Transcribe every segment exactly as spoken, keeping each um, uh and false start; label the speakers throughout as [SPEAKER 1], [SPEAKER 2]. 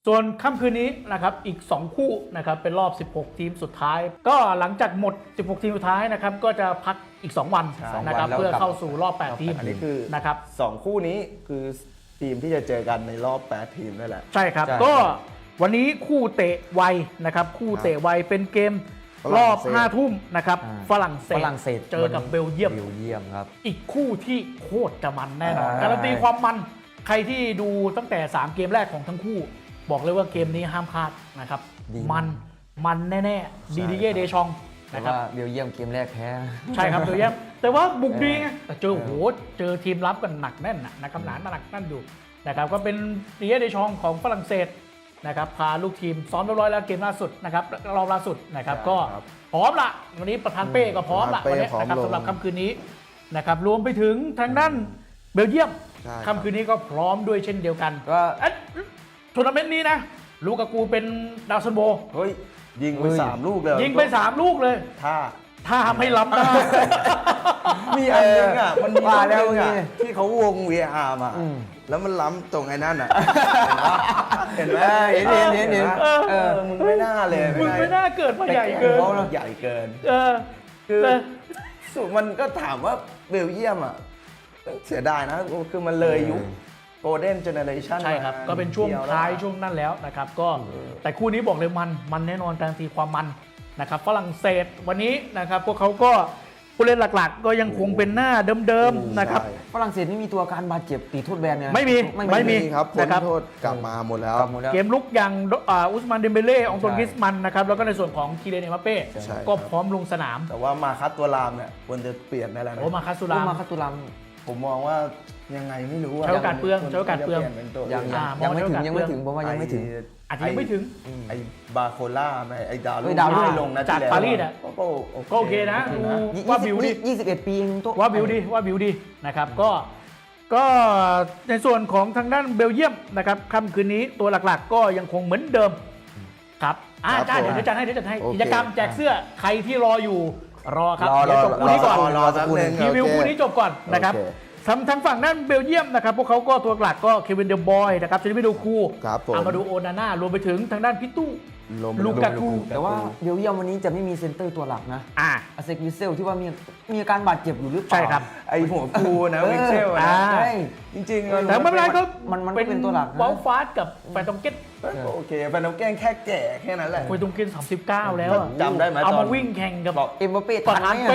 [SPEAKER 1] ส่วนค่ำคืนนี้นะครับอีกสองคู่นะครับเป็นรอบสิบหกทีมสุดท้ายก็หลังจากหมดสิบหกทีมสุดท้ายนะครับก็จะพักอีกสองวันนะครับเพื่อเข้าสู่รอบแปดทีม
[SPEAKER 2] อันนี้คือ
[SPEAKER 1] นะครับ
[SPEAKER 2] สองคู่นี้คือทีมที่จะเจอกันในรอบแปดทีมนั่นแหละ
[SPEAKER 1] ใช่ครับก็วันนี้คู่เตะไวนะครับคู่เตะไวเป็นเกมรอบห้าทุ่มนะครับฝรั่งเศ
[SPEAKER 3] ฝ
[SPEAKER 1] ส
[SPEAKER 3] รั่งเศส
[SPEAKER 1] เจอกับเบลเยียม
[SPEAKER 3] เบลเยียมครับ
[SPEAKER 1] อีกคู่ที่โคตรจะมันแน่นอน
[SPEAKER 2] อ่า
[SPEAKER 1] การันตีความมันใครที่ดูตั้งแต่สามเกมแรกของทั้งคู่ บอกเลยว่าเกมนี้ห้ามพลาดนะครับ
[SPEAKER 3] ดี
[SPEAKER 1] มันมันแน่ๆดีดีเย่เดชอง
[SPEAKER 3] แต่
[SPEAKER 1] นะครับ
[SPEAKER 3] ว่าเบลเยียมเกมแรกแพ้
[SPEAKER 1] ใช่ครับเบลเยียมแต่ว่าบุกดีไงแต่เจอโหเจอทีมรับกันหนักแน่นนะนะครับหนาหนักแน่นอยู่นะครับก็เป็นดีเย่เดชองของฝรั่งเศสนะครับพาลูกทีมซ้อมเรียบร้อยแล้วเกมล่าสุดนะครับรอบล่าสุดนะครับก็พร้อมละวันนี้ประธานเป้ก็พร้อมละวันนี้นะครับสำหรับค่ำคืนนี้นะครับรวมไปถึงทางด้านเบลเยียม
[SPEAKER 2] ใช่ครับ
[SPEAKER 1] ค่ำคืนนี้ก็พร้อมด้วยเช่นเดียวกัน
[SPEAKER 3] ก็
[SPEAKER 1] เอ๊ะทัวร์นาเมนต์นี้นะลูกากูเป็นดาวซันโบ
[SPEAKER 2] เฮ้ยยิงไป
[SPEAKER 3] เฮ้ย
[SPEAKER 2] สามลูกเลย
[SPEAKER 1] ยิงไปสามลูกเลย
[SPEAKER 2] ถ้า
[SPEAKER 1] ถ้าไม่ล้ำหน้า
[SPEAKER 2] มีอันนึงอ่ะมันมี
[SPEAKER 3] ว่าแล้ว
[SPEAKER 2] ลูกนึงอ่ะ
[SPEAKER 3] ไง
[SPEAKER 2] ที่เขาวง วี อาร์ มา
[SPEAKER 3] อืม
[SPEAKER 2] แล้วมันล้ำตรงไอ้นั่นอ่ะเห็นไหม
[SPEAKER 3] เห็นเห็นเห็นเห็น
[SPEAKER 2] เออ
[SPEAKER 3] เออ
[SPEAKER 2] มึงไม่น่าเลย
[SPEAKER 1] มึงไม่น่าเกิดมาใหญ่เกิน
[SPEAKER 2] เขาใหญ่เกิน
[SPEAKER 1] เออ
[SPEAKER 2] คือ
[SPEAKER 1] เออ
[SPEAKER 2] สุดมันก็ถามว่าเบลเยียมอ่ะเสียดายนะคือมันเลยยุคโกลเด้นเจเนเรชัน
[SPEAKER 1] ใช่ครับ ก็เป็นช่วงท้ายช่วงนั้นแล้วนะครับ ก็แต่คู่นี้บอกเลยมันมันแน่นอนการันตีความมันนะครับฝรั่งเศสวันนี้นะครับ พวกเขาก็ผู้เล่นหลักๆ ก็ยังคงเป็นหน้าเดิมๆนะครับ
[SPEAKER 2] ใช่
[SPEAKER 3] ฝรั่งเศสนี่มีตัวการบาดเจ็บตีโทษแบนเนี่ย
[SPEAKER 1] ไม่มี
[SPEAKER 3] ไม่
[SPEAKER 1] ไม่
[SPEAKER 3] มี
[SPEAKER 1] มี
[SPEAKER 2] ครับพ้น
[SPEAKER 1] นะครับ
[SPEAKER 2] โทษกลับมาหมดแล้ว
[SPEAKER 3] กลับหมดแล้ว
[SPEAKER 1] เกมลุกอย่างอ่าอุสมานเดมเบเล่องตวน
[SPEAKER 3] ใช่
[SPEAKER 1] กริสมันนะครับแล้วก็ในส่วนของคีเรนเอมบัปเป้
[SPEAKER 2] ใช่
[SPEAKER 1] ก็พร้อมลงสนาม
[SPEAKER 2] แต่ว่ามาคัดตัวรามเนี่ยควรจะเปลี่ยนได้แล้วนะ
[SPEAKER 1] โอ้มาคาสุ
[SPEAKER 3] ลา
[SPEAKER 1] รา
[SPEAKER 3] มาคัตุลัม
[SPEAKER 2] ผมมองว่ายังไงไม่รู้อะ
[SPEAKER 1] ใช้โอกาสเปลือง
[SPEAKER 2] ควร
[SPEAKER 1] ใช้โอกาสเปลือง
[SPEAKER 2] จะยนเป็นตัว
[SPEAKER 3] ยัง
[SPEAKER 2] อื่น
[SPEAKER 1] อ่า
[SPEAKER 3] ยังไม่ถึง
[SPEAKER 1] มอง
[SPEAKER 3] ยังไม่
[SPEAKER 1] เรื่อง
[SPEAKER 3] ถึงผมว่ายังไม่ถึง
[SPEAKER 1] อาจจะยังไม่ถึง
[SPEAKER 2] ไอ้บาโคล่าไหมไอ้ดาว
[SPEAKER 3] เฮ้ยดาวรุ่ง
[SPEAKER 2] ที่ลงนะ
[SPEAKER 1] จาก
[SPEAKER 2] ที่แล้ว
[SPEAKER 1] ปารีสอะ
[SPEAKER 2] ก็
[SPEAKER 1] ก็โอเคนะดู
[SPEAKER 3] ยี่
[SPEAKER 1] ว่า
[SPEAKER 3] สิ
[SPEAKER 1] บิวดิ
[SPEAKER 3] ยี่สิบเอ็ดปีเองตัว
[SPEAKER 1] ว่าบิวดีว่าบิวดีนะครับก็ก็ในส่วนของทางด้านเบลเยียมนะครับค่ำคืนนี้ตัวหลักๆ ก็ยังคงเหมือนเดิมครับอ่าจ้าเดี๋ยวจัดให้เดี๋ยวจัดให้กิจกรรมแจกเสื้อใครที่รออยู่รอครับ
[SPEAKER 2] รอร
[SPEAKER 1] เดี๋ย
[SPEAKER 2] อ
[SPEAKER 1] วจบคู่นี้ก่อน
[SPEAKER 2] รอสักหนึ่ง
[SPEAKER 1] รีวิว
[SPEAKER 2] โอเค
[SPEAKER 1] คู่นี้จบก่อนนะครับ
[SPEAKER 2] โอเค
[SPEAKER 1] ทางทางฝั่งด้านเบลเยียมนะครับพวกเขาก็ตัวหลักก็เควินเดอบอยนะครับจะไม่ดูคู
[SPEAKER 2] ครับผม
[SPEAKER 1] อามาดูโอนานารวมไปถึงทางด้านพิตู้
[SPEAKER 2] ลม
[SPEAKER 1] ลูกากู
[SPEAKER 3] แต่ว่าเบลเยียมวันนี้จะไม่มีเซนเตอร์ตัวหลักนะ
[SPEAKER 1] อ่า
[SPEAKER 3] อาเซกวิเซลที่ว่ามีมีอาการบาดเจ็บอยู่หรือเปล่า
[SPEAKER 1] ใช่ครับ
[SPEAKER 2] ไอ้หัวฟูนะ
[SPEAKER 3] เออ
[SPEAKER 2] วิกเซล
[SPEAKER 1] อ่า
[SPEAKER 2] นะ
[SPEAKER 3] ใช่
[SPEAKER 2] จริงๆมัน
[SPEAKER 1] แต่ไม่เป็นไรครับ
[SPEAKER 3] มันมันก็เป็นตัวหลักนะ
[SPEAKER 1] วอลฟาสกับแฟนตองเก็ต
[SPEAKER 2] โอเคแฟนน้ำแกล้งแค่แก่แค่นั้นแหละ
[SPEAKER 1] แฟนตองเก็ตสามสิบเก้าแล้วอะ
[SPEAKER 2] จำได้ไหม
[SPEAKER 1] เอา
[SPEAKER 2] ตอ
[SPEAKER 1] มาน วิ่งแข่งกับ
[SPEAKER 2] บอก
[SPEAKER 3] เอ็มบัปเป้
[SPEAKER 1] ประ
[SPEAKER 3] ทัน
[SPEAKER 1] ธาน
[SPEAKER 3] ไหม
[SPEAKER 1] เป้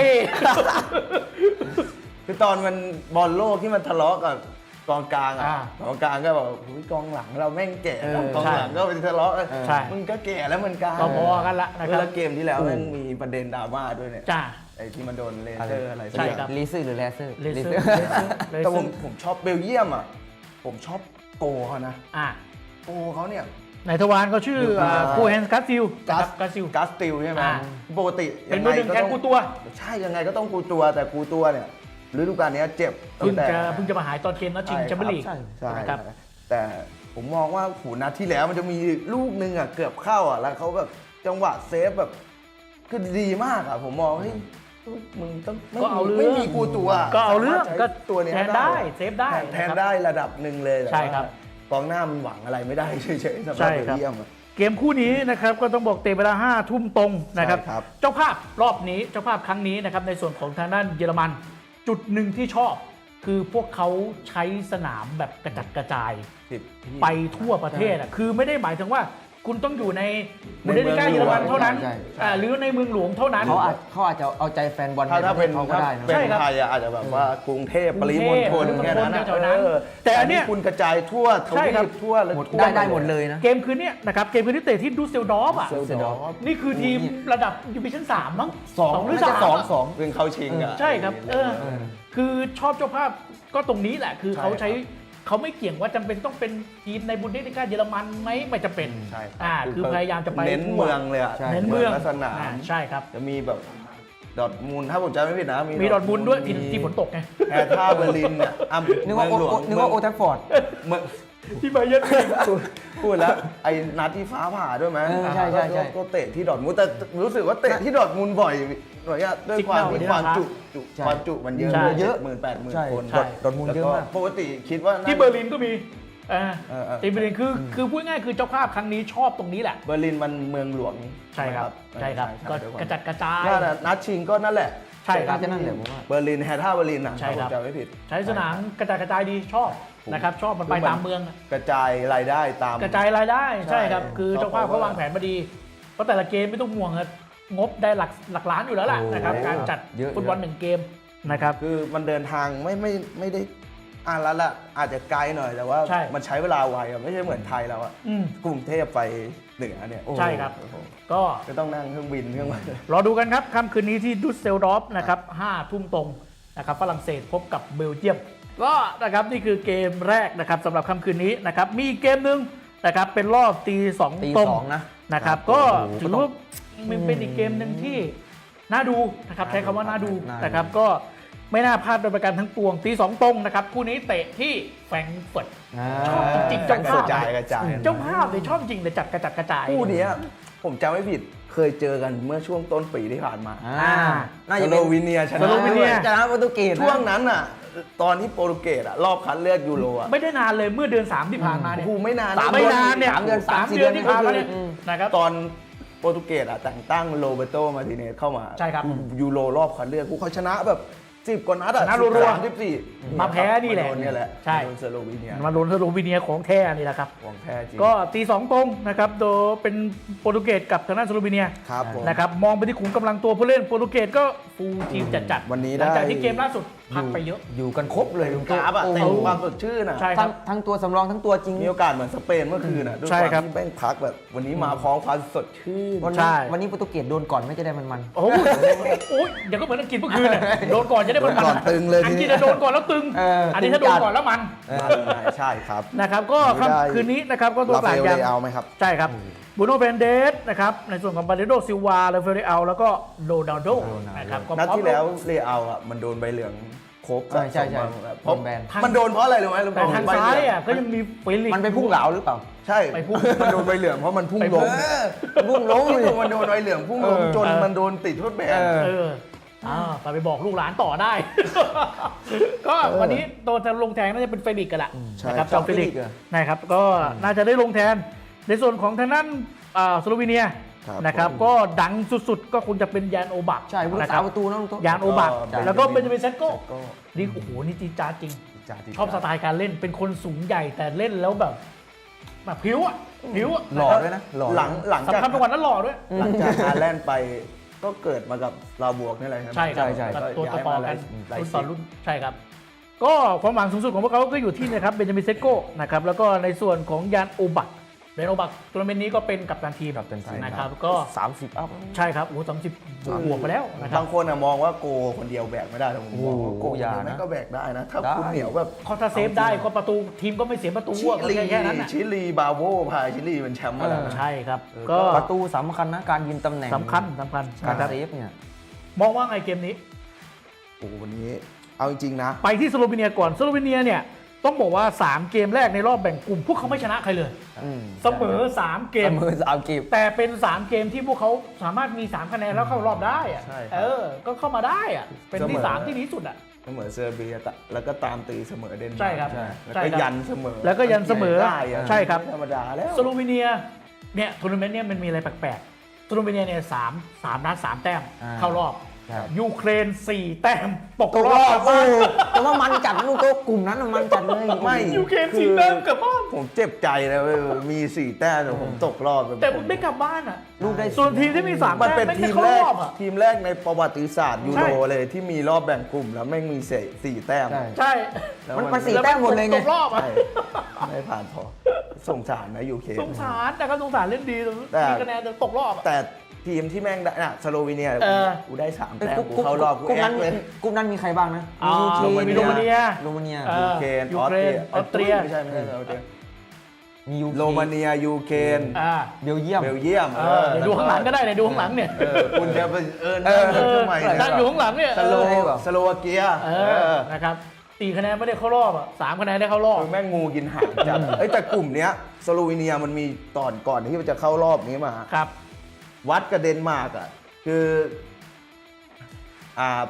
[SPEAKER 2] คือตอนมันบอลโลกที่มันทะเลาะกับกองกลางอ่ะ
[SPEAKER 1] อ่าก
[SPEAKER 2] องกลางก็บอกอุ๊ยกองหลังเราแม่งแก่
[SPEAKER 3] เออก
[SPEAKER 2] องหลังก็เป็นทะเลาะกัน
[SPEAKER 1] ใช่
[SPEAKER 2] มึงก็แก่แล้วเหมือนกัน
[SPEAKER 1] ก็พอกันละนะค
[SPEAKER 2] เว
[SPEAKER 1] รับ
[SPEAKER 2] ลาเกมที่แล้วแม่งมีประเด็นดราม่าด้วยเนี่ย
[SPEAKER 1] จ้า
[SPEAKER 2] ไอ้ที่มันโดนเลเซอร์อะไรสัก
[SPEAKER 1] ใช่
[SPEAKER 2] อย่าง
[SPEAKER 1] ครับ
[SPEAKER 3] เลเซอร์หรือแลเซอร์
[SPEAKER 1] เลเซอร์เลเซอร์เล
[SPEAKER 2] แต่
[SPEAKER 1] เซ
[SPEAKER 2] ผ
[SPEAKER 1] อ
[SPEAKER 2] ม
[SPEAKER 1] ร์
[SPEAKER 2] ผมชอบเบลเยียมอ่ะผมชอบโกเขานะ
[SPEAKER 1] อ่า
[SPEAKER 2] โกเขาเนี่ย
[SPEAKER 1] ในทวารเขาชื่อ
[SPEAKER 2] อ่า
[SPEAKER 1] คูแฮนส์กัสซิล
[SPEAKER 2] กัส
[SPEAKER 1] กัสซิล
[SPEAKER 2] กัสติลใช่ไหม
[SPEAKER 1] อ่า
[SPEAKER 2] ปกติ
[SPEAKER 1] เป็นมือหนึ่งแทนกูตัว
[SPEAKER 2] ใช่ยังไงก็ต้องกูตัวแต่กูตัวเนี่ยฤดูกาลเนี้ยเจ็บ
[SPEAKER 1] เพิ่ง
[SPEAKER 2] ตั้แต่
[SPEAKER 1] จะเพิ่งจะมาหายตอนเกมนัดชิงแชมเปี้ยนลีก
[SPEAKER 3] ใช่
[SPEAKER 2] ใช่
[SPEAKER 1] นะครับ
[SPEAKER 2] แต่ผมมองว่าหูนัดที่แล้วมันจะมีลูกหนึงอ่ะเกือบเข้าอ่ะแล้วเขาแบบจังหวะเซฟแบบคือดีมากอ่ะผมมองเฮ้ยมึงต้องไม่
[SPEAKER 1] ก็เอา
[SPEAKER 2] มี
[SPEAKER 1] เรื่อง
[SPEAKER 2] ไม่มีกูตัว
[SPEAKER 1] ก็เอาเรื่อง
[SPEAKER 2] สมถใช้
[SPEAKER 1] ก็
[SPEAKER 2] ตัวเนี้ย
[SPEAKER 1] แทนได้เซฟได้
[SPEAKER 2] แทน
[SPEAKER 1] นะครับ
[SPEAKER 2] ได้ระดับหนึ่งเลยแต่
[SPEAKER 1] ใช่ครับ
[SPEAKER 2] ว่ากองหน้ามันหวังอะไรไม่ได้เฉยๆสำห
[SPEAKER 1] ใช่
[SPEAKER 2] รับเบล
[SPEAKER 1] ครับ
[SPEAKER 2] เยียมอะ
[SPEAKER 1] เกมคู่นี้นะครับก็ต้องบอกเตะเวลาห้าทุ่มตรงนะครับ
[SPEAKER 2] ใช่ครับ
[SPEAKER 1] เจ้าภาพรอบนี้เจ้าภาพครั้งนี้นะครับในส่วนของทางด้านเยอรมัน จุดหนึ่งที่ชอบ คือพวกเขาใช้สนามแบบกระจัดกระจาย
[SPEAKER 2] สิบ
[SPEAKER 1] ไปทั่วประเทศอ่ะคือไม่ได้หมายถึงว่าคุณต้องอยู่ใน
[SPEAKER 2] ใน
[SPEAKER 1] บุนเดสลิก้า
[SPEAKER 2] เมื
[SPEAKER 1] เย
[SPEAKER 2] อง
[SPEAKER 1] อรมัน
[SPEAKER 2] หลวง
[SPEAKER 1] เท่านั้น
[SPEAKER 3] ใช่ใช่
[SPEAKER 1] อ่าหรือในเมืองหลวงเท่านั้น
[SPEAKER 3] เขาอาจเขาอาจจะเอาใจแฟนบอล
[SPEAKER 2] ถ้า
[SPEAKER 3] ใน
[SPEAKER 2] ถ้า
[SPEAKER 3] ประเท
[SPEAKER 2] เป็น
[SPEAKER 3] ศเขาก็ได้นะ
[SPEAKER 2] เป็น
[SPEAKER 1] ใช่ครับ
[SPEAKER 2] ไทยอะอาจจะแบบว่ากรุงเทพปริมณฑล
[SPEAKER 1] กรุงเทพ
[SPEAKER 2] แค่นั้นอะ
[SPEAKER 1] แถวๆนั้น
[SPEAKER 2] เออ
[SPEAKER 1] แต่อันเนี้ย
[SPEAKER 2] คุณกระจายทั่วท
[SPEAKER 1] ใช่
[SPEAKER 2] วี
[SPEAKER 1] ครับ
[SPEAKER 2] ปทั่วเลย
[SPEAKER 3] หมด
[SPEAKER 2] ทั่ว
[SPEAKER 3] ได้ได้หมดเลยนะ
[SPEAKER 1] เกมคืนเนี้ยนะครับเกมคืนนี้เตะที่ดูสเซลดอร์ฟอ่ะ
[SPEAKER 2] เซล
[SPEAKER 3] เซล
[SPEAKER 2] ด
[SPEAKER 3] ด
[SPEAKER 2] อ
[SPEAKER 3] อ
[SPEAKER 2] ร์
[SPEAKER 3] ร์
[SPEAKER 2] ฟ
[SPEAKER 1] นี่คือทีมระดับยูบิชั่นสามมั้ง
[SPEAKER 3] สอง
[SPEAKER 1] หรือ
[SPEAKER 3] น่า
[SPEAKER 1] สาม
[SPEAKER 3] จะสอง
[SPEAKER 1] อะ
[SPEAKER 3] สอง
[SPEAKER 2] เพิ่งเข้าชิงอ่ะ
[SPEAKER 1] ใช่ครับเออ
[SPEAKER 3] เออ
[SPEAKER 1] คือชอบเจ้าภาพก็ตรงนี้แหละ คือ
[SPEAKER 2] ใช่
[SPEAKER 1] เขาใช้
[SPEAKER 2] ครับ
[SPEAKER 1] เขาไม่เกี่ยงว่าจำเป็นต้องเป็นทีมในบุนเดสลิก้าเยอรมันไหมไม่จำเป็น
[SPEAKER 2] ใช่ครับ
[SPEAKER 1] อ่าคือพยายามจะไป
[SPEAKER 2] เน้น
[SPEAKER 1] ทั่ว
[SPEAKER 2] เมืองเลยอ่ะ
[SPEAKER 3] ใช่
[SPEAKER 1] เน้นเมือง
[SPEAKER 2] ลักษณะ
[SPEAKER 1] อ่าใช่ครับ
[SPEAKER 2] จะมีแบบดอร์ทมูลถ้าผมจำไม่ผิดนะ
[SPEAKER 1] มีดอร์ทมุนด์ด้วยที่ที่ฝนตกไง
[SPEAKER 2] แอร์ท่าเบอร์ลินเนี่ยอ่ะ
[SPEAKER 3] นึกว่าโอ
[SPEAKER 2] เมืองหลวง
[SPEAKER 3] นึกว่าโอแทฟฟอร์ด
[SPEAKER 2] เมือง
[SPEAKER 1] ที่บาเยิร์น
[SPEAKER 2] พูดพูดแล้วไอ้นัดที่ฟ้าผ่าด้วยไหม
[SPEAKER 3] เออใช่ใช่ใช่
[SPEAKER 2] ก็ก็เตะที่ดอร์ทมูลแต่รู้สึกว่าเตะที่ดอร์ทมูลบ่อยหน่อยอะด้วยความที่ความจุจุ
[SPEAKER 3] ใช่
[SPEAKER 2] ความจุมันเยอะ
[SPEAKER 1] ใช่
[SPEAKER 2] เยอะหมื่นแปดหมื่น
[SPEAKER 3] ใช่
[SPEAKER 2] คน
[SPEAKER 3] ดอร์ทมุนด์เยอะมาก
[SPEAKER 2] แล้วปกติคิดว่าน่า
[SPEAKER 1] ที่เบอร์ลินก็มีเออ
[SPEAKER 2] เออเออ
[SPEAKER 1] ทีมเบอร์ลินคือคือพูดง่ายคือเจ้าภาพครั้งนี้ชอบตรงนี้แหละ
[SPEAKER 2] เบอร์ลินมันเมืองหลวง
[SPEAKER 1] ใช่ครับใช่ครับก็กระจัดกระจาย
[SPEAKER 2] น่าจะนัดชิงก็นั่นแหละ
[SPEAKER 1] ใช่ครับ
[SPEAKER 3] จะนั่นแหละผมว่า
[SPEAKER 2] เบอร์ลินแฮท่าเบอร์ลินนะ
[SPEAKER 1] ใช่ครับ
[SPEAKER 2] ถ้าผมจำไม่ผิด
[SPEAKER 1] ใช้สนามกระจายกระจายดีชอบนะครับชอบมันไปตามเมืองอะ
[SPEAKER 2] กระจายรายได้ตาม
[SPEAKER 1] กระจายรายได้ใช่ครับ
[SPEAKER 2] ใช่
[SPEAKER 1] คือเจ้าภาพเขาวางแผนมาดี เพราะแต่ละเกมไม่ต้องห่วงอะงบได้หลักหลักล้านอยู่แล้วล่ะ
[SPEAKER 3] โอ้
[SPEAKER 1] นะครับการจัด
[SPEAKER 3] เยอะ
[SPEAKER 1] ฟุตบอลหนึ่งเกมนะครับ
[SPEAKER 2] คือมันเดินทางไม่ไม่ไม่ได้อ่านแล้วละอาจจะไกลหน่อยแต่ว่า
[SPEAKER 1] ใช่
[SPEAKER 2] มันใช้เวลาไวอะไม่ใช่เหมือนไทยเราอะ
[SPEAKER 1] อืม
[SPEAKER 2] กรุงเทพไปเหนือเนี่ยโอ้โห
[SPEAKER 1] ใช่ครับ ก็
[SPEAKER 2] ก็ต้องนั่งเครื่องบินเครื่องบิน
[SPEAKER 1] รอดูกันครับค่ำคืนนี้ที่ดุสเซลดอร์ฟนะครับห้าทุ่มตรงนะครับฝรั่งเศสพบกับเบลเยียมก็นะครับนี่คือเกมแรกนะครับสำหรับค่ำคืนนี้นะครับมีอีกเกมหนึ่งนะครับเป็นรอบตีสอง
[SPEAKER 3] ตี
[SPEAKER 1] ตรง
[SPEAKER 3] สองนะ
[SPEAKER 1] นะครับ
[SPEAKER 3] ครับ
[SPEAKER 1] ก็
[SPEAKER 3] โอ้โห
[SPEAKER 1] ถือว่ามันเป็นอีกเกมหนึ่งที่น่าดูนะครับใช้คำว่าน่าดู
[SPEAKER 3] น่าดู
[SPEAKER 1] นะครับก็ไม่น่าพลาดโดยประการทั้งปวงตีสองตรงนะครับคู่นี้เตะที่แฟรงก์เฟิร์ต ชอบจริงๆ
[SPEAKER 2] ก
[SPEAKER 1] เจ้าภาพ
[SPEAKER 2] ระจายกระจาย
[SPEAKER 1] เจ้าภาพเลยชอบจริงเลยจัดกระจัดกระจาย
[SPEAKER 2] คู่เนี้ยผมจำไม่ผิดเคยเจอกันเมื่อช่วงต้นปีที่ผ่านมา
[SPEAKER 3] อ่าน่า
[SPEAKER 2] ส
[SPEAKER 3] จะ
[SPEAKER 2] โล
[SPEAKER 3] เป็น
[SPEAKER 2] วีเนียช
[SPEAKER 1] ส
[SPEAKER 2] นะ
[SPEAKER 1] โลวีเนีย
[SPEAKER 3] ชนะโปรตุเกสนะ
[SPEAKER 2] ช่วงนั้นอ่ะ ตอนที่โปรตุเกสอ่ะรอบคัดเลือกยูโรอ่ะ
[SPEAKER 1] ไม่ได้นานเลยเมื่อเดือนสามที่ผ่านมา
[SPEAKER 2] โอ้
[SPEAKER 1] เนี่ย
[SPEAKER 2] โหไม่นาน
[SPEAKER 3] สาม
[SPEAKER 1] ไม่นานเนี่ย
[SPEAKER 3] สามเดือน
[SPEAKER 1] สาม
[SPEAKER 3] สามสี่
[SPEAKER 1] เดือน
[SPEAKER 3] เดือน
[SPEAKER 1] ที่ผ่านมาเนี่ย
[SPEAKER 3] อืม
[SPEAKER 1] นะครับ
[SPEAKER 2] ตอนโปรตุเกสอ่ะแต่งตั้งโรเบโตมาร์ติเนสเข้ามา
[SPEAKER 1] ใช่ครับ
[SPEAKER 2] ยูโรรอบคัดเลือกพวกเขาชนะแบบสิบกว่านัดอ่ะ
[SPEAKER 1] ชนะรัวๆ
[SPEAKER 2] สามสิบสี่
[SPEAKER 1] มาแพ้นี่แหละ
[SPEAKER 2] มาโดเนี่ยแหละ
[SPEAKER 1] ใช่
[SPEAKER 2] โดนสโลวีเนีย
[SPEAKER 1] มาลุ้นสโลวีเนียของแท้นี่แหละครับ
[SPEAKER 2] ของแท้จริง
[SPEAKER 1] ก็ตีสองตรงนะครับโดยเป็นโปรตุเกสกับทางด้านสโลวีเนีย
[SPEAKER 2] ครับผม
[SPEAKER 1] นะครับมองไปที่ขุมกำลังตัวผู้เล่นโปรตุเกสก็ฟูลทีมจัดๆ
[SPEAKER 2] วันนี้
[SPEAKER 1] หลังจาก
[SPEAKER 2] ได้
[SPEAKER 1] ที่เกมล่าสุดพักไปเยอะ
[SPEAKER 3] อยู่กันครบเลย
[SPEAKER 2] กราฟอ่ะ
[SPEAKER 3] โอ้
[SPEAKER 2] เต็
[SPEAKER 3] โห
[SPEAKER 2] มความสดชื่นอ่ะ
[SPEAKER 1] ใช่ครั
[SPEAKER 3] ทั้
[SPEAKER 1] บ
[SPEAKER 3] งทั้งตัวสำรองทั้งตัวจริง
[SPEAKER 2] มีโอกาสเหมือนสเปนเมื่อคืนอ่ะด้วย
[SPEAKER 1] ใช่
[SPEAKER 2] ความ
[SPEAKER 1] ครับ
[SPEAKER 2] ที่แม่งพักแบบ วันนี้มาพร้อมความสดชื่น
[SPEAKER 3] วัน
[SPEAKER 1] ใช่
[SPEAKER 3] นี้วันนี้โปรตุเกสโดนก่อนไม่จะได้มันมัน
[SPEAKER 1] โอ้โหโอ้ยเดี๋ยวก็เหมือนอังกฤษเมื่อคืนน่ะโดนก่อนจะได้มัน
[SPEAKER 2] โดนก่อนตึงเลย
[SPEAKER 1] อังกฤษ
[SPEAKER 2] ทีนี้
[SPEAKER 1] จะโดนก่อนแล้วตึง
[SPEAKER 3] เอออั
[SPEAKER 1] อันนี้ถ้าโดนก่อนแล้วมัน
[SPEAKER 2] ใช่ครับ
[SPEAKER 1] นะครับก็
[SPEAKER 2] ไม่ได้
[SPEAKER 1] ค่ำคืนนี้นะครับก็ตัว
[SPEAKER 2] รา
[SPEAKER 1] กลา
[SPEAKER 2] ฟาง เอล
[SPEAKER 1] ยั
[SPEAKER 2] เล
[SPEAKER 1] ง
[SPEAKER 2] เอาไหมครับ
[SPEAKER 1] ใช่ครับบูโน่เฟรนเดสนะครับในส่วนของบาเดโดซิลวาเลเฟเรอัลแล้วก็โรนัลโดนะครับก็
[SPEAKER 2] นัด
[SPEAKER 1] พร้อม
[SPEAKER 2] ที่แล้วเลเอาอ่ะมันโดนใบเหลืองครบ
[SPEAKER 3] ใช่ใช่ใช่
[SPEAKER 2] เพราะ
[SPEAKER 3] โดนแบน
[SPEAKER 2] มันโดนเพราะอะไรรู้ไหม
[SPEAKER 1] แต่ทางซ้ายอ่ะก็ยังมีเฟลิกซ์
[SPEAKER 3] มันไปพุ่งเหลาหรือเปล่า
[SPEAKER 2] ใช่
[SPEAKER 1] ไปพุ่ง
[SPEAKER 2] มันโดนใบเหลืองเพราะมันพุ่ง
[SPEAKER 1] ไป
[SPEAKER 2] ล
[SPEAKER 1] พุ่
[SPEAKER 2] ง
[SPEAKER 1] ง
[SPEAKER 3] พุ่งลงเลย
[SPEAKER 2] มันโดนใบเหลืองพุ่งลง
[SPEAKER 3] เออ
[SPEAKER 2] จน
[SPEAKER 1] เออ
[SPEAKER 2] มันโดนติดโทษแบน
[SPEAKER 3] เออ
[SPEAKER 1] เอออ่าไปไปบอกลูกหลานต่อได้ ก็วันนี้ตัวจะลงแทนน่าจะเป็นเฟลิกซ์กันแหละ
[SPEAKER 2] ใช่
[SPEAKER 1] นะครับ
[SPEAKER 2] ครั
[SPEAKER 1] จอบ มเฟลิกซ์
[SPEAKER 3] เฟลิกซ์เหรอ
[SPEAKER 1] นะครับก็น่าจะได้ลงแทน ในส่วนของทางด้านอ่าสโลวีเนีย
[SPEAKER 2] ครับ
[SPEAKER 1] นะครับ
[SPEAKER 2] ผม
[SPEAKER 1] ก็ดังสุดๆ ก็คงจะเป็นยานโอบัก
[SPEAKER 3] ใช่ผู้รั
[SPEAKER 1] นะ
[SPEAKER 3] ก
[SPEAKER 1] ค
[SPEAKER 3] ษา
[SPEAKER 1] รับ
[SPEAKER 3] ประตูนะลุงโต๊ะ
[SPEAKER 1] ยานโอบัก
[SPEAKER 2] ใช่
[SPEAKER 1] แล้วก็เบนจามินเซตโก้
[SPEAKER 2] ก็
[SPEAKER 1] นี่โอ้โหนี่จีดจ้าดจริง
[SPEAKER 2] จ่าติด
[SPEAKER 1] ชอบสไตล์การเล่นเป็นคนสูงใหญ่แต่เล่นแล้วแบบแบบผิวอ่ะผิวอ่ะ
[SPEAKER 3] หล่อด้วยนะหล่อ
[SPEAKER 2] หลังหลังจาก
[SPEAKER 1] สำคัญเป็นวันนั้นหล่อด้วย
[SPEAKER 2] หลังจากฮาแลนด์ไปก็เกิดมากับลาวบวกนี่แหละครับ
[SPEAKER 1] ใช่ครับ
[SPEAKER 3] ใช่ใช่
[SPEAKER 1] กับตัวต่อๆกัน
[SPEAKER 2] หลาย
[SPEAKER 1] รุ่น
[SPEAKER 2] สิ
[SPEAKER 1] ต่อบ รุ่นใช่ครับ ก็ความหวังสูงสุดของพวกเขาก็อยู่ที่นะครับเบนจามินเซโก้นะครับแล้วก็ในส่วนของยานโอบักยานโอบักทัวร์นาเมนต์นี้ก็เป็นกัปตันทีม
[SPEAKER 3] กัปตันทีม
[SPEAKER 1] นะครับก็
[SPEAKER 3] สามสิบอัพ
[SPEAKER 1] ใช่ครับโอ้สามสิบบวกไปแล้วนะครับ
[SPEAKER 2] บางคนอะมองว่าโกคนเดียวแบกไม่ได้แต่ผมมองว่าโก
[SPEAKER 3] โอ้โหอย่านะ
[SPEAKER 2] แม่งก็แบกได้นะ ถ้า
[SPEAKER 3] ได้
[SPEAKER 2] คุณเหนียวแบบ
[SPEAKER 1] เขาถ้าเซฟได้ก็ประตูทีมก็ไม่เสียประตู
[SPEAKER 2] ชิ
[SPEAKER 1] อะ
[SPEAKER 2] ลี
[SPEAKER 1] แค่แค่นั้นน่ะ
[SPEAKER 2] ชิลีบาโวพาชิลีเป็นแชมป์มาแล้วนะ
[SPEAKER 1] ใช่ครับ
[SPEAKER 2] เออ
[SPEAKER 1] ก็
[SPEAKER 3] ประตูสำคัญนะการยืนตำแหน่ง
[SPEAKER 1] สำคัญสำคัญ
[SPEAKER 3] การ
[SPEAKER 1] นะครับ
[SPEAKER 3] เซฟเนี่ย
[SPEAKER 1] มองว่าไงเกมนี้
[SPEAKER 2] โอ้วันนี้เอาจริงๆนะ
[SPEAKER 1] ไปที่สโลวีเนียก่อนสโลวีเนียเนี่ยต้องบอกว่าสามเกมแรกในรอบแบ่งกลุ่ม พวกเขาไม่ชนะใครเลย
[SPEAKER 3] อืม
[SPEAKER 1] เสมอสามเก
[SPEAKER 3] เส
[SPEAKER 1] ม
[SPEAKER 3] มอสามเกม
[SPEAKER 1] แต่เป็นสามเกมที่พวกเขาสามารถมีสามคะแนนแล้วเข้ารอบได้อะ
[SPEAKER 2] ใช่ครับ
[SPEAKER 1] เออ ก็เข้ามาได้อะเป็นที่
[SPEAKER 2] เสมอ
[SPEAKER 1] สามที่ดีสุดอะ
[SPEAKER 2] เสมอเซอร์เบียตะแล้วก็ตามตีเสมอเดนมาร์ก
[SPEAKER 1] ใช่ครับ
[SPEAKER 2] แล้ว
[SPEAKER 1] ใช่
[SPEAKER 2] ก็
[SPEAKER 1] ครับ
[SPEAKER 2] ยันเสมอ
[SPEAKER 1] แล้วก็ยันเสมอ
[SPEAKER 2] ได้อะ
[SPEAKER 1] ใช่ครับ
[SPEAKER 2] ไม่ธรรมดาแล้ว
[SPEAKER 1] สโลวีเนียเนี่ยทัวร์นาเมนต์เนี่ยมันมีอะไรแปลกๆสโลวีเนียเนี่ยสามสามนัดสามแต้ม
[SPEAKER 3] อ่า
[SPEAKER 1] เข้ารอบ
[SPEAKER 3] ครับ
[SPEAKER 1] ยูเครนสี่แต้มตก
[SPEAKER 3] ตก
[SPEAKER 1] ร
[SPEAKER 3] ร
[SPEAKER 1] อ
[SPEAKER 3] อ
[SPEAKER 1] บบ
[SPEAKER 3] โอ้แต่ว่ามันจัดลูกโต๊ะกลุ่มนั้นน่ะมันจัดเลย
[SPEAKER 2] ไม่
[SPEAKER 1] ยูเครนสี่แต้มกลับบ้าน
[SPEAKER 2] ผมเจ็บใจนะเว้ยมีสี่แต้มแต่ผมตกรอบ
[SPEAKER 1] แต่ได้กลับบ้านอะ
[SPEAKER 3] ลูกได้
[SPEAKER 1] ส่วนทีมที่มีสาม
[SPEAKER 2] มัน
[SPEAKER 1] แต้ม
[SPEAKER 2] เป็น
[SPEAKER 1] ไม่
[SPEAKER 2] ที
[SPEAKER 1] ได้
[SPEAKER 2] ม
[SPEAKER 1] เข้า
[SPEAKER 2] แรก
[SPEAKER 1] รอบอะ
[SPEAKER 2] ทีมแรกในประวัติศาสตร์ยู
[SPEAKER 1] ใช่
[SPEAKER 2] โรเลยที่มีรอบแบ่งกลุ่มแล้วแม่งมีเศษสี่แต้ม
[SPEAKER 3] ใช่
[SPEAKER 1] ใช่
[SPEAKER 2] แล้ว
[SPEAKER 3] มันมันสี่แต้มหมดเลยไง
[SPEAKER 1] ตกรอบอะ
[SPEAKER 2] ใช่ไม่ผ่านพอสงสารนะยูเค
[SPEAKER 1] สงสารแต่ก็สงสารเล่นดี
[SPEAKER 2] แต่
[SPEAKER 1] มีคะแนนแต่ตกรอบอะ
[SPEAKER 2] แต่ทีมที่แม่งได้น่ะสโลวีเนีย
[SPEAKER 1] เออ
[SPEAKER 2] กูได้สาม
[SPEAKER 3] เอ้ย
[SPEAKER 2] แต้ม
[SPEAKER 3] กลุ่ม
[SPEAKER 2] กูเข้ารอบกู
[SPEAKER 3] กลุ่ม
[SPEAKER 2] แอ
[SPEAKER 3] นั้น
[SPEAKER 2] คเลย
[SPEAKER 3] กลุ่มนั้นมีใครบ้างนะ
[SPEAKER 1] อ่า
[SPEAKER 3] ยูเค
[SPEAKER 1] มีโรมาเนีย
[SPEAKER 3] โรมาเนีย
[SPEAKER 1] เออ
[SPEAKER 2] ยูเครน
[SPEAKER 1] ยู
[SPEAKER 2] ออ
[SPEAKER 1] เครนออสเตรีย
[SPEAKER 2] ไม่ใช่ไม่ใช่ออสเตรีย
[SPEAKER 3] มียูเค
[SPEAKER 2] โรมาเนียยูเครน
[SPEAKER 1] อ่า
[SPEAKER 3] เบลเยียม
[SPEAKER 2] เบลเยียม
[SPEAKER 1] เออเดี๋ยวดูข้างหลังก็ได้เดี๋ยวดูข้างหลังเนี่ย
[SPEAKER 2] เออคุณจะไปเออ
[SPEAKER 3] เออ
[SPEAKER 2] นั่งทำไม
[SPEAKER 1] นั่งอยู่ข้างหลังเนี่ย
[SPEAKER 2] สโล
[SPEAKER 3] เออ
[SPEAKER 2] สโลวาเกีย
[SPEAKER 1] เออนะครับสี่คะแนนไม่ได้เข้ารอบอ่ะสามคะแนนได้เข้ารอบ
[SPEAKER 2] เออแม่งงูกินหางจัดเอ้ยแต่กลุ่มเนี้ยสโลวีเนียมันมีตอนก่อนที่มันจะเข้ารอบนี้มา
[SPEAKER 1] ครับ
[SPEAKER 2] วัดกับเดนมาร์กอ่ะคืออ่า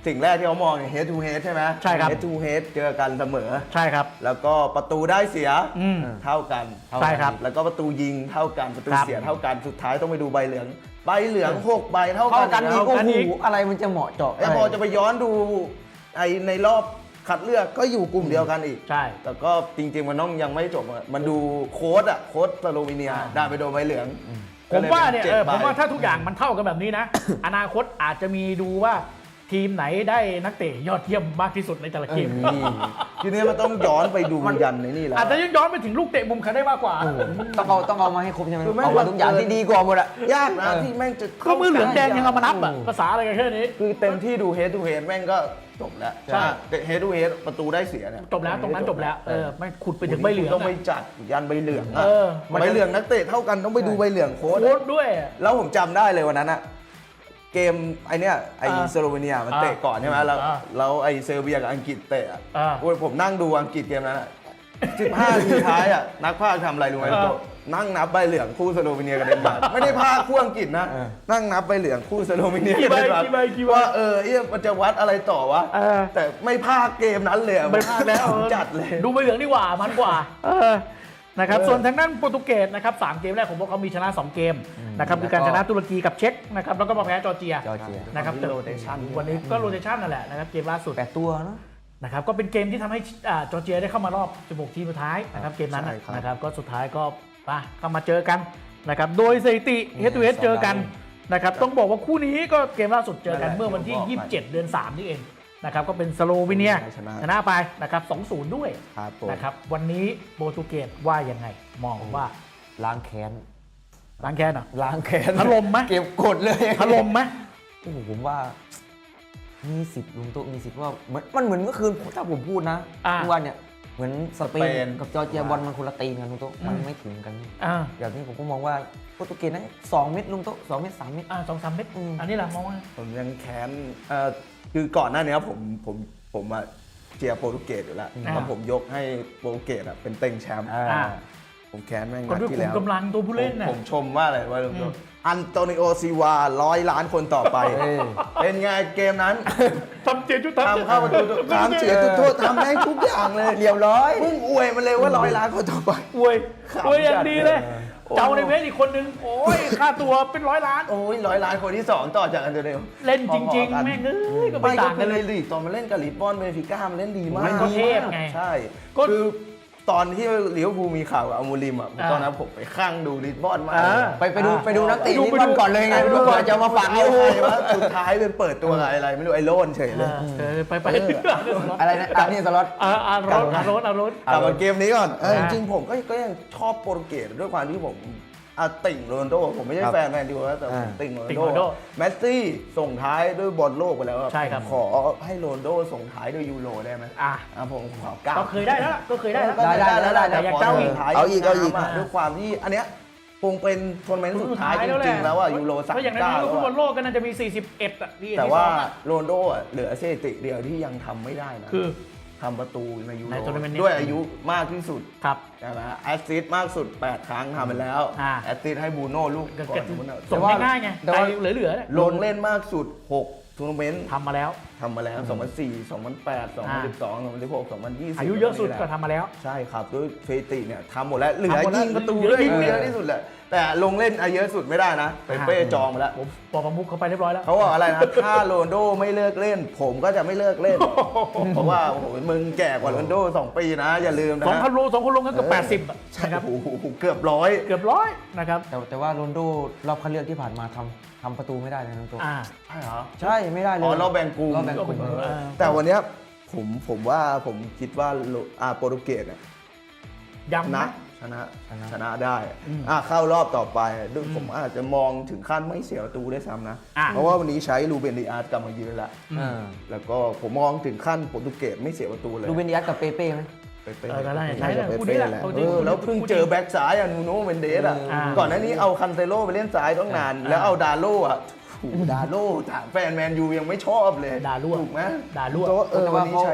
[SPEAKER 2] สิ่งแรกที่เขามองเนี่ย head to head ใช่ไหม
[SPEAKER 1] ใช่ครับ
[SPEAKER 2] head to head เจอกันเสมอ
[SPEAKER 1] ใช่ครับ
[SPEAKER 2] แล้วก็ประตูได้เสีย
[SPEAKER 1] อืม
[SPEAKER 2] เท่ากัน
[SPEAKER 1] ใช่ครับ
[SPEAKER 2] แล้วก็ประตูยิงเท่ากันประตู
[SPEAKER 1] ครับ
[SPEAKER 2] เสียเท่ากันสุดท้ายต้องไปดูใบเหลืองใบเหลืองหกใบเท่า
[SPEAKER 3] เท่า
[SPEAKER 2] กัน
[SPEAKER 3] กันอีก
[SPEAKER 2] แล้ว
[SPEAKER 3] โอ้
[SPEAKER 1] กัน
[SPEAKER 3] โห
[SPEAKER 1] อีก
[SPEAKER 3] อะไรมันจะเหมาะเจาะ
[SPEAKER 2] แล้วพอจะไปย้อนดูไอในรอบคัดเลือกก็อยู่กลุ่มเดียวกันอีก
[SPEAKER 1] ใช่
[SPEAKER 2] แต่ก็จริงๆมันต้องยังไม่จบอะมันดูโค้ดอ่ะโค้ดสโลวีเนีย
[SPEAKER 1] อ่า
[SPEAKER 2] ได้ไปโดนใบเหลือง
[SPEAKER 1] ผมว่าเนี่ย
[SPEAKER 2] ก็ล
[SPEAKER 1] เออ
[SPEAKER 2] ป็
[SPEAKER 1] ผมว่า
[SPEAKER 2] จ็ดใบ
[SPEAKER 1] ถ้าทุกอย่างมันเท่ากันแบบนี้นะ อนาคตอาจจะมีดูว่าทีมไหนได้นักเตะยอดเยี่ยมมากที่สุดในแต่ละเกม
[SPEAKER 2] นี่ทีนี้มันต้องย้อนไปดูยันในนี่แล้ว
[SPEAKER 1] อาจจะย้อนไปถึงลูกเตะมุมใครได้มากกว่า
[SPEAKER 3] ต้องเอาต้องเอามาให้ครบใช่ไหม
[SPEAKER 2] คือไม่
[SPEAKER 3] เอามาทุกอย่างที่ดีกว่าหมดอะ
[SPEAKER 2] ยากนะ
[SPEAKER 3] เออ
[SPEAKER 2] ที่แม่งจะ
[SPEAKER 1] ก็มือเหลืองแดงยังเอามานับอ่ะ
[SPEAKER 2] โโห
[SPEAKER 1] ภาษาอะไรกันแค่นี้
[SPEAKER 2] คือเต็มที่ดู head to head แม่งก็จบแล้ว
[SPEAKER 1] ใช่
[SPEAKER 2] แต่ head to head ประตูได้เสียเนี่ย
[SPEAKER 1] จบแล้วตรงนั้นจบแล้วเออไม่ขุดไปถึงใบเหลือง
[SPEAKER 2] ต้องไป
[SPEAKER 1] อะ
[SPEAKER 2] จัดยันใบเหลืองอะ
[SPEAKER 1] เออ
[SPEAKER 2] ใบเหลืองนักเตะเท่ากันต้องไปดูใบเหลืองโค้ด
[SPEAKER 1] โค้ดด้วย
[SPEAKER 2] แล้วผมจำได้เลยวันนั้นอะเกมไอเนี้ยไอ
[SPEAKER 1] อ่า
[SPEAKER 2] สโลวีเนียมันเตะก่อนใช่ไหมแล้ว
[SPEAKER 1] อ่า
[SPEAKER 2] แล้วไอเซอร์เบียกับอังกฤษเตะอะ
[SPEAKER 1] อ่า
[SPEAKER 2] โอ้ยผมนั่งดูอังกฤษเกมนั้นอะสิบห้านาทีท้ายอะนักพากย์ทำอะไรรู้ไหม
[SPEAKER 1] อ่า
[SPEAKER 2] โต๊ะนั่งนับใบเหลืองคู่สโลวีเนียกับเดนมาร์กไม่ได้พากย์คู่อังกฤษนะ
[SPEAKER 3] เออ
[SPEAKER 2] นั่งนับใบเหลืองคู่สโลวีเนีย
[SPEAKER 1] กี่
[SPEAKER 2] กับ
[SPEAKER 1] ใบ
[SPEAKER 2] เดนมาร์ก
[SPEAKER 1] กี่ใบกี่ใบ
[SPEAKER 2] ว่าเออเอ๊ะมันจะวัดอะไรต่อวะ
[SPEAKER 1] เออ
[SPEAKER 2] แต่ไม่พากย์เกมนั้นเลยอะ
[SPEAKER 1] ไม่พลาดแล้ว
[SPEAKER 2] จัดเลย
[SPEAKER 1] ดูใบเหลืองดีกว่ามันกว่าเออนะครับ
[SPEAKER 2] เออ
[SPEAKER 1] ส่วนทางด้านโปรตุเกสนะครับสามเกมแรกผมว่าเขามีชนะสองเกมนะครับคือการชนะตุรกีกับเช็กนะครับแล้วก็มาแพ้จอร์เจีย
[SPEAKER 3] จอร์เจีย
[SPEAKER 1] นะครับ
[SPEAKER 2] วันนี้ rotation
[SPEAKER 1] วันนี้ก็โรเตชันนั่นแหละนะครับเกมล่าสุด
[SPEAKER 3] แปดตัวเนาะ
[SPEAKER 1] นะครับก็เป็นเกมที่ทำให้อ่าจอร์เจียได้เข้ามารอบสิบหกทีมสุดท้ายนะครับเกมนั้น
[SPEAKER 2] ใช่ครับ
[SPEAKER 1] นะครับก็สุดท้ายก็มาเข้ามาเจอกันนะครับโดยสถิติเฮดทูเฮดเจอกันนะครับต้องบอกว่าคู่นี้ก็เกมล่าสุดเจอกันเมื่อวันที่ ยี่สิบเจ็ด เดือนสามนี่เองนะครับก็เป็นสโลวีเนีย
[SPEAKER 2] ชนะ
[SPEAKER 1] ชนะไปนะครับสองศูนย์ด้วย
[SPEAKER 2] ครับผม
[SPEAKER 1] นะครับวันนี้โปรตุเกสว่ายังไงมองว่า
[SPEAKER 3] ล้างแค้น
[SPEAKER 1] ล้างแค้นเหรอ
[SPEAKER 3] ล้างแค้น
[SPEAKER 1] ถล่มไหม
[SPEAKER 3] เก็บกดเลย
[SPEAKER 1] ถล่มไหม
[SPEAKER 3] โอ้โหผมว่า มีสิทธิ์ลุงโต๊ะมีสิทธิ์ว่าเหมือนมันเหมือนเมื่อคืนถ้าผมพูดนะ
[SPEAKER 1] อ่า
[SPEAKER 3] ทุกวันเนี่ยเหมือนสเป
[SPEAKER 2] สเป
[SPEAKER 3] น
[SPEAKER 2] น
[SPEAKER 3] กับจอร์เจียบอลมันคนละตีนกันลุงโต๊ะมันไม่ถึงกัน
[SPEAKER 1] อ่า
[SPEAKER 3] อย่างนี้ผมก็มองว่าโปรตุเกสนั้นสองเม็ดลุงโต๊ะสองเม็ดสามเม็ด
[SPEAKER 1] อ่าสองสามเม็ด
[SPEAKER 3] อืม
[SPEAKER 1] อันนี้แหละมองว่า
[SPEAKER 2] ผมยังแค้นเอ่อคือก่อนหน้านี้ผมผมผมอะเชียร์โปรตุเกสอยู่แล้ว
[SPEAKER 1] อ่า
[SPEAKER 2] แล้วผมยกให้โปรตุเกสอะเป็นเต็งแชมป์
[SPEAKER 3] อ่า
[SPEAKER 1] อ่า
[SPEAKER 2] ผมแค้นแม่ง
[SPEAKER 1] ก็
[SPEAKER 2] นัด
[SPEAKER 1] ด้วย
[SPEAKER 2] ที่
[SPEAKER 1] ขุม
[SPEAKER 2] แล้ว
[SPEAKER 1] กำลังตัวผู้เล่น
[SPEAKER 2] ผม
[SPEAKER 1] น่ะ
[SPEAKER 2] ผมชมว่าอะไรว่า
[SPEAKER 1] อืม
[SPEAKER 2] อันโตนิโอซิวาร้อยล้านคนต่อไป
[SPEAKER 3] เออ
[SPEAKER 2] เป็นไงเกมนั้น
[SPEAKER 1] ทำเจียจุด
[SPEAKER 2] ทำเข้าประตูทำเสียจุดโทษทำได้ทุกอย่างเลย
[SPEAKER 3] เรียบร้อย
[SPEAKER 2] เพิ่งอวยมันเลยว่าร้อยล้านคนต่อไป
[SPEAKER 1] อวย
[SPEAKER 2] ขำ
[SPEAKER 1] อวยอย่างดีเลย
[SPEAKER 2] จัดเลย
[SPEAKER 1] เจ้าในเวสอีกคนนึง โอ้ย ค่าตัวเป็นร้อยล้าน
[SPEAKER 2] โอ้ยร้อยล้านคนที่สองต่อจากอันโตนิโอ
[SPEAKER 1] เล่นจริง
[SPEAKER 2] พอๆกัน
[SPEAKER 1] ๆ แม่งเอ้ยก็
[SPEAKER 2] ไม่
[SPEAKER 1] ไม่
[SPEAKER 2] ก็
[SPEAKER 1] ต่าง
[SPEAKER 2] คื
[SPEAKER 1] กั
[SPEAKER 2] อน ใน
[SPEAKER 1] เลย
[SPEAKER 2] ลีกตอนมาเล่นกับลิสบอนเบนฟิก้ามันเล่นดีมาก
[SPEAKER 1] มันก็เทพไง
[SPEAKER 2] ใช่
[SPEAKER 1] ก็
[SPEAKER 2] คือตอนที่ลิเวอร์พูลมีข่าวกับอามูริมอ่ะ
[SPEAKER 1] อ่า
[SPEAKER 2] ตอนนั้นผมไปข้างดูลิสบอนมาก
[SPEAKER 1] อ่า
[SPEAKER 3] ไปไปดูไปดูนักเตะ
[SPEAKER 1] ดู
[SPEAKER 3] นี่
[SPEAKER 1] ไป
[SPEAKER 3] บอล
[SPEAKER 1] ดู
[SPEAKER 3] ก่อนเลยไง
[SPEAKER 1] ไปดู
[SPEAKER 3] ดูก่อนจะมาฝาก
[SPEAKER 2] เอา
[SPEAKER 3] เอา
[SPEAKER 2] ใครวะสุดท้ายเป็นเปิดตัวกับอะไรไม่รู้ไอ้โลนเฉยเลย
[SPEAKER 1] เออไปไป
[SPEAKER 2] เออ
[SPEAKER 3] อะไรนะอันนี้สล็อต
[SPEAKER 1] อ่าอารถอารถอารถ
[SPEAKER 2] กลับมาเกมนี้ก่อนเออ
[SPEAKER 1] อ่า
[SPEAKER 2] จริงๆผมก็ก็ยังชอบโปรตุเกสด้วยความที่ผมอ่ะติ่งโรนัลโดผมไม่ใช่
[SPEAKER 3] ครับ
[SPEAKER 2] แฟนแมนยูนะแต่ผม
[SPEAKER 3] อ่า
[SPEAKER 2] ติ่งโรนั
[SPEAKER 1] ติ่
[SPEAKER 2] ล
[SPEAKER 1] งโรนัล
[SPEAKER 2] โด
[SPEAKER 1] โด
[SPEAKER 2] แมสซี่ส่งท้ายด้วยบอลโลกไปแล้วอะ
[SPEAKER 1] ใช่ครับ
[SPEAKER 2] ผมขอให้โรนัลโดส่งท้ายด้วยยูโรได้ไหม
[SPEAKER 1] อ่ะ
[SPEAKER 2] อ่ะผมขอเก้า
[SPEAKER 1] ก็เคยได้แล้วล่ะก็เคยได้แล้ว
[SPEAKER 3] ได้ได้ได้ได้
[SPEAKER 1] แต่อยากเจ้าอีก
[SPEAKER 2] เอาอีกเอาอีก
[SPEAKER 1] อ่า
[SPEAKER 2] ด้วยความที่อันเนี้ยคงเป็นทัวร์นาเมนต์สุดท้ายจ
[SPEAKER 1] แล้วแห
[SPEAKER 2] ริ
[SPEAKER 1] ละ
[SPEAKER 2] งๆแล้วอ่ะยูโรสาม
[SPEAKER 1] เพราะอย่าง
[SPEAKER 2] เก้า
[SPEAKER 1] นั้น
[SPEAKER 2] แล้ว
[SPEAKER 1] ฟุตบอล
[SPEAKER 2] อะ
[SPEAKER 1] โลกก็น่าจะมี สี่สิบเอ็ดอ่ะที่
[SPEAKER 2] แต่ว่า
[SPEAKER 1] ที่สองอะ
[SPEAKER 2] โรนัลโดอ่ะเหลือสถิติเดียวที่ยังทำไม่ได้นะ
[SPEAKER 1] คือ
[SPEAKER 2] ทำประตูในยูโร
[SPEAKER 1] ในทัวร์นาเมนต์นี้
[SPEAKER 2] ด้วยอายุมากที่สุด
[SPEAKER 1] ครับ
[SPEAKER 2] ใช่ไหมแอสซิสต์มากสุด แปด ครั้งทำไปแล้ว
[SPEAKER 1] อ่า
[SPEAKER 2] แอสซิสต์ให้บูโน่ลูก
[SPEAKER 1] ก็
[SPEAKER 2] ก่อ
[SPEAKER 1] เก็
[SPEAKER 2] น
[SPEAKER 1] บ
[SPEAKER 2] บูโน่
[SPEAKER 1] ส่งง่ายๆไง
[SPEAKER 3] แต่
[SPEAKER 1] ใจ
[SPEAKER 3] ว่า
[SPEAKER 1] เหลือๆเนี่ย
[SPEAKER 2] ลงเล่นมากสุด หก ทัวร์นาเมนต์
[SPEAKER 1] ทำมาแล้ว
[SPEAKER 2] ทำมาแล้ว สองพันสี่ สองพันแปด สองพันสิบสอง สองพันสิบหก สองพันยี่สิบ
[SPEAKER 1] อายุเยอะสุดก็ทำมาแล้ว
[SPEAKER 2] ใช่ครับด้วยสถิติเนี่ยทำหมดแล้วเหลือ
[SPEAKER 1] ทำหมดแล้ว
[SPEAKER 2] ยิงประตู
[SPEAKER 1] เหลือ
[SPEAKER 2] ด้วย
[SPEAKER 1] ยิง
[SPEAKER 2] เยอะที่สุดแหละแต่ลงเล่นอาเยอะสุดไม่ได้นะเปเป้จองมาแล้ว
[SPEAKER 1] ผมบอกประมุขเขาไปเรียบร้อยแล้ว
[SPEAKER 2] เขาบอกอะไรนะ ถ้าโรนลโดไม่เลิกเล่น ผมก็จะไม่เลิกเล่น เพราะว่าโอ้โหมึงแก่กว่าโรนลโดสองปีนะ อย่าลืมนะ
[SPEAKER 1] สองพันโลสองคนลงกันเกือบแปดสิบ
[SPEAKER 2] ใช่
[SPEAKER 1] นะครับ
[SPEAKER 2] โอ้โหเกือบร้อย
[SPEAKER 1] เกือบร้อยนะครับ
[SPEAKER 3] แต่แต่ว่าโรนลโดรอบคัดเลือกที่ผ่านมาทำทำประตูไม่ได้เลยนะตัว
[SPEAKER 1] อ่า
[SPEAKER 2] ใช่เหรอ
[SPEAKER 3] ใช่ไม่ได้เลย
[SPEAKER 2] อ๋อรอบแบ่งกลุ่ม
[SPEAKER 3] รอบแบ่งกลุ่ม
[SPEAKER 1] เออ
[SPEAKER 2] แต่วันเนี้ยผมผมว่าผมคิดว่าโลอาโปรตุเกสเนี่ย
[SPEAKER 1] ย้ำ
[SPEAKER 2] นะ
[SPEAKER 1] นะ
[SPEAKER 2] ชนะ
[SPEAKER 3] ชนะ
[SPEAKER 2] ชนะได้
[SPEAKER 1] อืม
[SPEAKER 2] อ่ะเข้ารอบต่อไปด้วย
[SPEAKER 1] อืม
[SPEAKER 2] ผมอาจจะมองถึงขั้นไม่เสียประตูได้วยซ้ำนะ
[SPEAKER 1] อ่ะ
[SPEAKER 2] เพราะว่าวันนี้ใช้ลูเบนดิอาร์ตกลับมายืนแล้ว
[SPEAKER 1] อืม
[SPEAKER 3] อ่า
[SPEAKER 2] แล้วก็ผมมองถึงขั้นโปรตุเกสไม่เสียประตูเลย
[SPEAKER 3] ลูเบนดิอัสกับเปเป้ไหม
[SPEAKER 2] เป๊ะ
[SPEAKER 1] เออก็ได้
[SPEAKER 2] น่าจะ
[SPEAKER 1] ใช่
[SPEAKER 2] เป๊ะ
[SPEAKER 1] คู่นี้แหละ
[SPEAKER 2] แหละ
[SPEAKER 1] คู่
[SPEAKER 2] เอ
[SPEAKER 1] นี้
[SPEAKER 2] อแล้วเพิ่งเจอแบ็กซ้ายอะนูโน่เมนเดสอะ
[SPEAKER 1] อ่า
[SPEAKER 2] ก่อนหน้านี้เอาคันเซโลไปเล่นซ้ายต้องนาน
[SPEAKER 1] อ่า
[SPEAKER 2] แล้วเอาดาโล่อะถูกดาโล่ถามแฟนแมนยูยังไม่ชอบเลย
[SPEAKER 1] ด่ารั่ว
[SPEAKER 2] ถูกไหม
[SPEAKER 1] ด่ารั่ว
[SPEAKER 2] โต๊ะเออ
[SPEAKER 3] แต่
[SPEAKER 2] วั
[SPEAKER 3] ว่าน
[SPEAKER 2] นี้
[SPEAKER 3] เขา
[SPEAKER 2] ใช้
[SPEAKER 3] เขา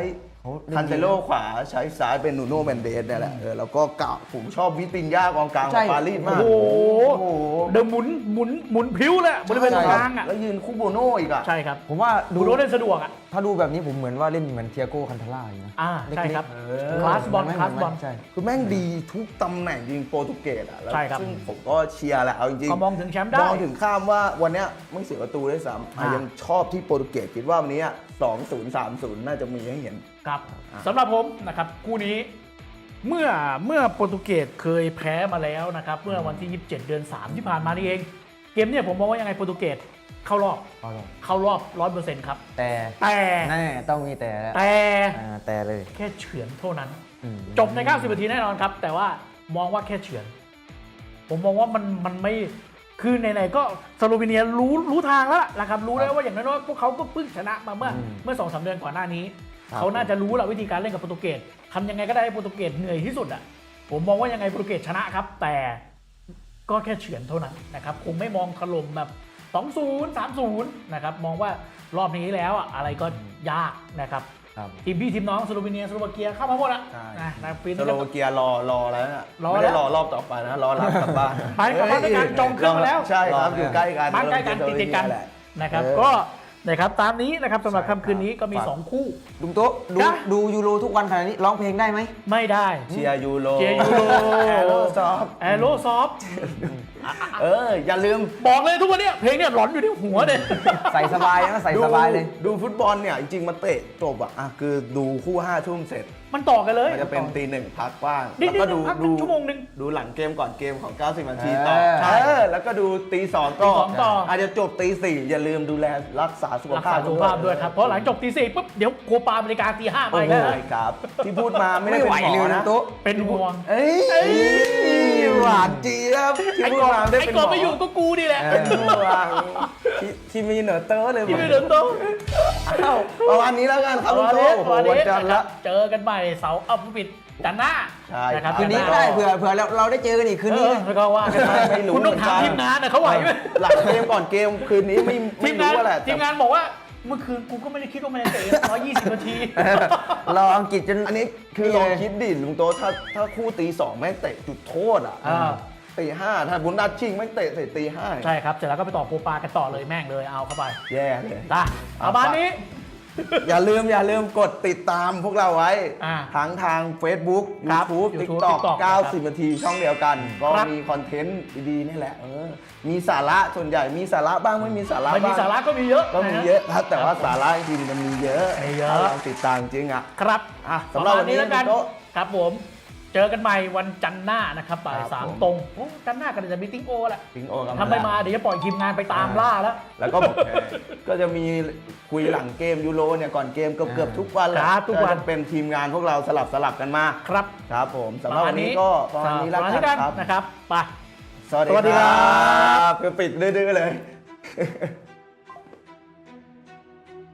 [SPEAKER 3] เขาล่
[SPEAKER 2] คันเซโลขวาใช้ซ้ายเป็นนูโน่แมนเดสเนี่ยแหละเออแล้วก็เก่าผมชอบวิตินยากองกลางข
[SPEAKER 3] ใช่
[SPEAKER 2] องปารีสมาก
[SPEAKER 1] โอ้โห
[SPEAKER 2] โอ้โห
[SPEAKER 1] เดินหมุนหมุนหมุนพลิ้วเลยบริเวณตรงกลางอ่ะ
[SPEAKER 2] แล้วยืนคู่โบโน่อีกอ่ะ
[SPEAKER 1] ใช่ครับ
[SPEAKER 3] ผมว่า
[SPEAKER 1] ดู
[SPEAKER 3] ดู
[SPEAKER 1] รถเล่นสะดวกอ่ะ
[SPEAKER 3] ถ้าดูแบบนี้ผมเหมือนว่าเล่นเหมือนเทียโก้คันทาร่าอยู่นะ
[SPEAKER 1] อ่าใช่ครับ
[SPEAKER 3] เล็กๆ
[SPEAKER 1] คลาสบอล
[SPEAKER 3] เหมืน
[SPEAKER 1] คลาสบอล
[SPEAKER 3] ใช่
[SPEAKER 2] คือแม่งดีทุกตำแหน่งจริงโปรตุเกสอ่ะแล้ว
[SPEAKER 1] ใช่ครับ
[SPEAKER 2] ซึ่งผมก็เชียร์แหละเอาจริง
[SPEAKER 1] ก็มองถึงแชมป์ได้
[SPEAKER 2] มองถึงข้ามว่าวันเนี้ยไม่เสียประตูด้วยซ้ำ
[SPEAKER 1] อ่ายั
[SPEAKER 2] ยังชอบที่โปรตุเกสคิดว่าวันนี้สองศูนย์สามศูนย์น่าจะมีให้เห็น
[SPEAKER 1] ครับสำหรับผมนะครับคู่นี้เมื่อเมื่อโปรตุเกสเคยแพ้มาแล้วนะครับเมื่อวันที่ ยี่สิบเจ็ด เดือนสามที่ผ่านมานี่เอง เกมเนี่ยผมมองว่ายังไงโปรตุเกสเข้ารอบ
[SPEAKER 3] เอาหรอ
[SPEAKER 1] เข้ารอบ ร้อยเปอร์เซ็นต์ ครับ
[SPEAKER 3] แต่
[SPEAKER 1] แต่
[SPEAKER 3] แน่ต้องมีแต่แล้ว
[SPEAKER 1] แต่
[SPEAKER 3] อ่าแต่เลย
[SPEAKER 1] แค่เฉือนเท่านั้น
[SPEAKER 3] อืม
[SPEAKER 1] จบใน เก้าสิบ นาทีแน่นอนครับ แต่ว่ามองว่าแค่เฉือน ผมมองว่ามันมันไม่คือไหนๆก็สโลวีเนียรู้รู้ทางแล้วล่ะนะครับรู้แล้วว่าอย่างน้อยๆพวกเขาก็เพิ่งชนะมาเมื่อเมื่อสองสามเดือนก่อนหน้านี้ เขาน่าจะรู้แหละวิธีการเล่นกับโปรตุเกสทำยังไงก็ได้ให้โปรตุเกสเหนื่อยที่สุดอ่ะผมมองว่ายังไงโปรตุเกสชนะครับ แต่ก็แค่เฉือนเท่านั้นนะครับคงไม่มองถล่มแบบ สองศูนย์ สามศูนย์ นะครับมองว่ารอบนี้แล้วอะอะไรก็ยากนะครับ
[SPEAKER 3] ครับ
[SPEAKER 1] ทีมพี่ทีมน้องสโลวีเนียสโลวาเกียเข้ามาหมดอะ
[SPEAKER 2] ใช่
[SPEAKER 1] นะนะปี
[SPEAKER 2] ส
[SPEAKER 1] นี้
[SPEAKER 2] โล
[SPEAKER 1] ก็
[SPEAKER 2] วาเกียรอรอแล้วน่ะ
[SPEAKER 1] รอ
[SPEAKER 2] ไม่
[SPEAKER 1] แล้
[SPEAKER 2] ได้
[SPEAKER 1] ว
[SPEAKER 2] รอรอบต่อไปนะรอรับกลับบ้าน
[SPEAKER 1] ไปกลับบ้านด้วยกันจองเครื่องมาแล้ว
[SPEAKER 2] ใช่ครับ
[SPEAKER 3] รอ
[SPEAKER 2] อยู่ใกล้กัน
[SPEAKER 1] บ้านใกล้กันติดติดกัน
[SPEAKER 2] แหละ
[SPEAKER 1] นะครับ
[SPEAKER 2] เออ
[SPEAKER 1] ก็นะครับตามนี้นะครับสำหรับ
[SPEAKER 2] ใช่ครับ
[SPEAKER 1] ค่ำคืนนี้ก็มี
[SPEAKER 2] ฝาก
[SPEAKER 1] สองคู่
[SPEAKER 3] ลุงโต๊ะดู
[SPEAKER 1] จ้ะ
[SPEAKER 3] ดูยูโรทุกวันขนาดนี้ร้องเพลงได้ไหม
[SPEAKER 1] ไม่ได้
[SPEAKER 2] เชียร์ยูโร
[SPEAKER 1] เชียร์ยูโร
[SPEAKER 2] แอโรซอฟ
[SPEAKER 1] แอโรซอฟ
[SPEAKER 2] เออ อย่าลืม
[SPEAKER 1] บอกเลยทุกวันเนี้ยเพลงเนี่ยหลอนอยู่ที่หัวเลย
[SPEAKER 3] ใส่สบายนะใส่
[SPEAKER 2] ดู
[SPEAKER 3] สบายเลย
[SPEAKER 2] ดูฟุตบอลเนี่ย จริงๆมาเตะจบอะอ่ะคือดูคู่ห้าทุ่มเสร็จ
[SPEAKER 1] มันต่อกันเลย
[SPEAKER 2] มันจะเป็นตีหนึ่งพักบ้าง
[SPEAKER 1] นิด
[SPEAKER 2] แล้ว
[SPEAKER 1] ๆ
[SPEAKER 2] ก็ดู
[SPEAKER 1] พัก
[SPEAKER 2] ดู
[SPEAKER 1] ชั่วโมงหนึ่ง
[SPEAKER 2] ดูหลังเกมก่อนเกมของ เก้าสิบ นาทีต่อ
[SPEAKER 3] เออ
[SPEAKER 1] ใช่
[SPEAKER 2] เออแล้วก็ดูตีสอง
[SPEAKER 1] ตี
[SPEAKER 2] ต่อ
[SPEAKER 1] สองต่ออ
[SPEAKER 2] อาจจะจบตีสี่อย่าลืมดูแลรักษาสุข
[SPEAKER 1] รัก
[SPEAKER 2] ภา
[SPEAKER 1] ษา
[SPEAKER 2] พ
[SPEAKER 1] สุขภาพด้วยครับ เพราะหลังจบตีสี่ปุ๊บเดี๋ยวโคปาอเมริกาตีห้าไป
[SPEAKER 2] โอ้โห
[SPEAKER 1] แล้ว
[SPEAKER 2] ใช่ครับ ที่พูดมาไม่ได้
[SPEAKER 3] ไม่
[SPEAKER 2] เป็น
[SPEAKER 3] ไหว
[SPEAKER 2] หม
[SPEAKER 3] เล
[SPEAKER 2] อย
[SPEAKER 3] ลุ
[SPEAKER 2] นะ
[SPEAKER 3] งโต๊ะ
[SPEAKER 1] เป็นห่วง
[SPEAKER 2] เอ้ยหวานเจี๊ยบที่
[SPEAKER 1] ไอ้
[SPEAKER 2] พูด
[SPEAKER 1] กอบ
[SPEAKER 2] มาไม่ได้
[SPEAKER 1] ไอ้
[SPEAKER 2] เป็น
[SPEAKER 1] ก
[SPEAKER 2] หม
[SPEAKER 1] อ
[SPEAKER 2] อ
[SPEAKER 1] ไม่อยู่ก็กูนี่แหละ
[SPEAKER 2] เป็นห่วงที่ที่มีเหนือเตอร์เลย
[SPEAKER 1] ที่ไม่เดินโตะ
[SPEAKER 2] อ้าวประมาณนี้แล้วกันครับ
[SPEAKER 1] วั
[SPEAKER 2] ลุง
[SPEAKER 1] น
[SPEAKER 2] โต
[SPEAKER 1] นี้
[SPEAKER 2] โอ้โห
[SPEAKER 1] วัน
[SPEAKER 2] วัน
[SPEAKER 1] นี้
[SPEAKER 2] จันทร์
[SPEAKER 1] นะค
[SPEAKER 2] ละ
[SPEAKER 1] รับเจอกันใหม่เสาร์เอาผู้ปิดจันทร์หน้า
[SPEAKER 2] ใช่
[SPEAKER 1] นะครับ
[SPEAKER 3] คืนนี้ก็ได้เผื่อเผื่อเราเราได้เจอกันอีกคืน
[SPEAKER 1] เอ
[SPEAKER 3] นี้
[SPEAKER 1] อ
[SPEAKER 3] นะ
[SPEAKER 1] แล้วก็ว่ากันไป
[SPEAKER 2] ไม่รู้
[SPEAKER 1] คุณต้องถาม
[SPEAKER 2] เหมือนกัน
[SPEAKER 1] ทีมงานนะเขาไหวไหม
[SPEAKER 2] หลังเกมก่อนเกมคืนนี้ไม่
[SPEAKER 1] ที
[SPEAKER 2] ไม่
[SPEAKER 1] มงาน
[SPEAKER 2] รู้ว่าแหละ
[SPEAKER 1] ทีมงานบอกว่าเมื่อคืนกูก็ไม่ได้คิดว่ามันจะเตะร้อยยี่สิบนาที
[SPEAKER 3] รออังกฤษจน
[SPEAKER 2] อันนี้คือลองคิดดิลุงโตถ้าถ้าคู่ตีสองแม่งเตะจุดโทษอ่ะ
[SPEAKER 1] อ่า
[SPEAKER 2] ตีห้าถ้าบุนดัชชิงแม่งเตะเตะตีห้า
[SPEAKER 1] ใช่ครับเสร็จแล้วก็ไปต่อโคปากันต่อเลยแม่งเลยเอาเข้าไป
[SPEAKER 2] แย่เลย
[SPEAKER 1] นะประมาณนี้
[SPEAKER 2] อย่าลืมอย่าลืมกดติดตามพวกเราไว้
[SPEAKER 1] อ่า
[SPEAKER 2] ทั้งทาง Facebook
[SPEAKER 1] ครับ
[SPEAKER 2] YouTube
[SPEAKER 1] YouTube
[SPEAKER 2] TikTok
[SPEAKER 1] TikTok
[SPEAKER 2] เก้าสิบ นาทีช่องเดียวกัน ก็
[SPEAKER 1] ครับ
[SPEAKER 2] มีคอนเทนต์ดีๆนี่แหละเออมีสาระส่วนใหญ่มีสาระบ้างไม่มีสาระ
[SPEAKER 1] ไม่มี
[SPEAKER 2] บ้าง
[SPEAKER 1] สาระก็มีเยอะ
[SPEAKER 2] ก็มี
[SPEAKER 1] นฮ
[SPEAKER 2] เยอะครับ แต่ว่าสาระจริงมันมีเยอะ
[SPEAKER 1] มีเยอะ
[SPEAKER 2] ถ้าเราติดตามจริงอ่ะ
[SPEAKER 1] ครับ
[SPEAKER 2] อ่ะสำหรับวันนี้
[SPEAKER 1] ประมาณแล้วกัน
[SPEAKER 2] ลุงโต๊ะ
[SPEAKER 1] ครับผม เจอกันใหม่วันจันทร์หน้านะครับบ่าย
[SPEAKER 2] ครับ
[SPEAKER 1] สาม
[SPEAKER 2] ผม
[SPEAKER 1] ตรงโอ้จันทร์หน้าก็จะมีติ้งโอแหละ
[SPEAKER 2] ทิ้งโอกัน
[SPEAKER 1] ถ้าไม่มาเดี๋ยวจะปล่อยทีมงานไปตามล่าแล้ว
[SPEAKER 2] แล้วก็ก็จะมีคุยหลังเกมยูโรเนี่ยก่อนเกมเกือบเกือบๆทุกวันแหละ
[SPEAKER 1] ครับทุกวัน
[SPEAKER 2] จะเป็นทีมงานพวกเราสลับสลับกันมา
[SPEAKER 1] ครับ
[SPEAKER 2] ครับผมสำหรับวันนี้ก็ประมาณนี้แล้ว
[SPEAKER 1] ประมาณ
[SPEAKER 2] กันครับ
[SPEAKER 1] นะครับไป
[SPEAKER 2] สวัส
[SPEAKER 1] สวัสดี
[SPEAKER 2] ดี
[SPEAKER 1] ค
[SPEAKER 2] ค
[SPEAKER 1] รั
[SPEAKER 2] รับคือปิดดื้อๆเลย